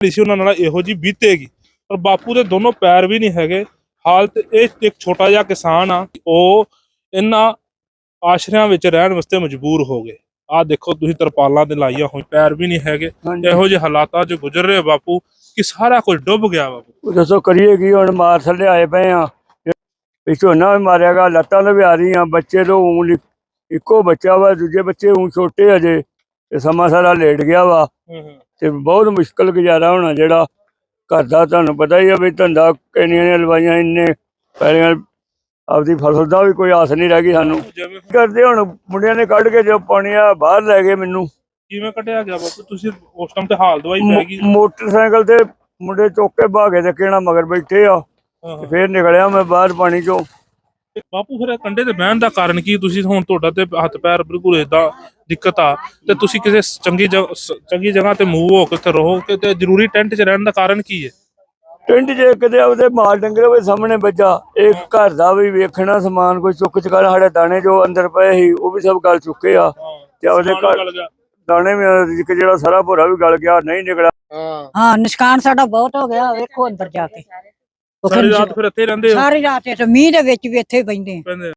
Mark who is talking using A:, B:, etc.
A: ਸੀ ਉਹਨਾਂ ਨਾਲ ਇਹੋ ਜਿਹੀ ਬੀਤੇਗੀ। ਪਰ ਬਾਪੂ ਦੇ ਦੋਨੋਂ ਪੈਰ ਵੀ ਨਹੀਂ ਹੈਗੇ। ਹਾਲਤ ਇਹ ਇੱਕ ਛੋਟਾ ਜਿਹਾ ਕਿਸਾਨ ਆ, ਉਹ ਇਹਨਾਂ ਆਸ਼ਰਿਆਂ ਵਿੱਚ ਰਹਿਣ ਵਾਸਤੇ ਮਜਬੂਰ ਹੋ ਗਏ। ਆਹ ਦੇਖੋ ਤੁਸੀਂ ਤਰਪਾਲਾਂ ਤੇ ਲਾਈਆਂ ਹੋਈ, ਪੈਰ ਵੀ ਨਹੀਂ ਹੈਗੇ। ਇਹੋ ਜਿਹੇ ਹਾਲਾਤਾਂ 'ਚ ਗੁਜ਼ਰ ਰਹੇ ਬਾਪੂ ਕਿ ਸਾਰਾ ਕੁਝ ਡੁੱਬ ਗਿਆ। ਬਾਪੂ
B: ਦੱਸੋ ਕਰੀਏ ਕੀ ਹੁਣ? ਮਾਰ ਥੱਲੇ ਆਏ ਪਏ ਆ। ਝੋਨਾ ਵੀ ਮਾਰਿਆ ਗਾ, ਲੱਤਾਂ ਤੋਂ ਵੀ ਆ ਰਹੀਆਂ। ਬੱਚੇ ਤੋਂ ਇੱਕੋ ਬੱਚਾ ਵਾ, ਦੂਜੇ ਬੱਚੇ ਛੋਟੇ ਅਜੇ, ਤੇ ਸਮਾਂ ਸਾਰਾ ਲੇਟ ਗਿਆ ਵਾ। ਤੇ ਬਹੁਤ ਮੁਸ਼ਕਲ ਗੁਜ਼ਾਰਾ ਹੋਣਾ ਜਿਹੜਾ ਘਰ ਦਾ। ਤੁਹਾਨੂੰ ਪਤਾ ਹੀ ਆ ਵੀ ਧੰਦਾ ਕਿੰਨੀਆਂ ਨੇ ਲਵਾਈਆਂ, ਇੰਨੇ ਪੈਲੀਆਂ, ਆਪਦੀ ਫਸਲ ਦਾ ਵੀ ਕੋਈ ਆਸ ਨਹੀਂ ਰਹਿ ਗਈ ਸਾਨੂੰ। ਕਰਦੇ ਹੁਣ ਮੁੰਡਿਆਂ ਨੇ ਕੱਢ ਕੇ ਜੋ ਪਾਣੀ ਆ ਬਾਹਰ ਲੈ ਗਏ। ਮੈਨੂੰ
A: ਕਿਵੇਂ ਕੱਢਿਆ ਗਿਆ ਬਾਪੂ? ਤੁਸੀਂ ਉਸ ਟਾਈਮ ਤੇ ਹਾਲ ਦਵਾਈ ਪੈ ਗਈ।
B: ਮੋਟਰਸਾਈਕਲ ਤੇ ਮੁੰਡੇ ਚੁੱਕ ਕੇ ਭਾਗੇ ਤੇ ਕਿਹੜਾ ਮਗਰ ਬੈਠੇ ਆ। ਫੇਰ ਨਿਕਲਿਆ ਮੈਂ ਬਾਹਰ ਪਾਣੀ ਚੋਂ।
A: ਬਾਪੂ ਫਿਰ ਕੰਢੇ ਤੇ ਬਹਿਣ ਦਾ ਕਾਰਨ ਕੀ? ਤੁਸੀਂ ਹੁਣ ਤੁਹਾਡਾ ਤੇ ਹੱਥ ਪੈਰ ਬਿਲਕੁਲ ਏਦਾਂ ਦਿੱਕਤ ਆ, ਤੇ ਤੁਸੀਂ ਕਿਸੇ ਚੰਗੀ ਜਗ੍ਹਾ ਤੇ ਮੂਵ ਹੋ ਕੇ ਉੱਥੇ ਰਹੋ ਤੇ ਜ਼ਰੂਰੀ ਟੈਂਟ 'ਚ ਰਹਿਣ ਦਾ ਕਾਰਨ ਕੀ ਹੈ?
B: ਟਿੰਡ ਜੇ ਕਿਤੇ ਉਹਦੇ ਮਾਲ ਡੰਗਰ ਹੋਵੇ ਸਾਹਮਣੇ ਬੱਜਾ, ਇਹ ਘਰ ਦਾ ਵੀ ਵੇਖਣਾ, ਸਮਾਨ ਕੋਈ ਚੁੱਕ ਚੁਕਾ। ਸਾਡੇ ਦਾਣੇ ਜੋ ਅੰਦਰ ਪਏ ਸੀ ਉਹ ਵੀ ਸਭ ਗਲ ਚੁੱਕੇ ਆ, ਤੇ ਉਹਦੇ ਘਰ ਦਾਣੇ ਵੀ ਜਿਹੜਾ ਸਾਰਾ ਭੋਰਾ ਵੀ ਗਲ ਗਿਆ, ਨਹੀਂ ਨਿਕਲਿਆ।
C: ਹਾਂ, ਨੁਕਸਾਨ ਸਾਡਾ ਬਹੁਤ ਹੋ ਗਿਆ। ਵੇਖੋ ਅੰਦਰ ਜਾ ਕੇ
A: ਸਾਰੀ ਰਾਤ ਫਿਰ ਇੱਥੇ ਰਹਿੰਦੇ ਹੋ?
C: ਸਾਰੀ ਰਾਤ ਇੱਥੇ ਮੀਂਹ ਦੇ ਵਿੱਚ ਵੀ ਇੱਥੇ ਬੈਠੇ।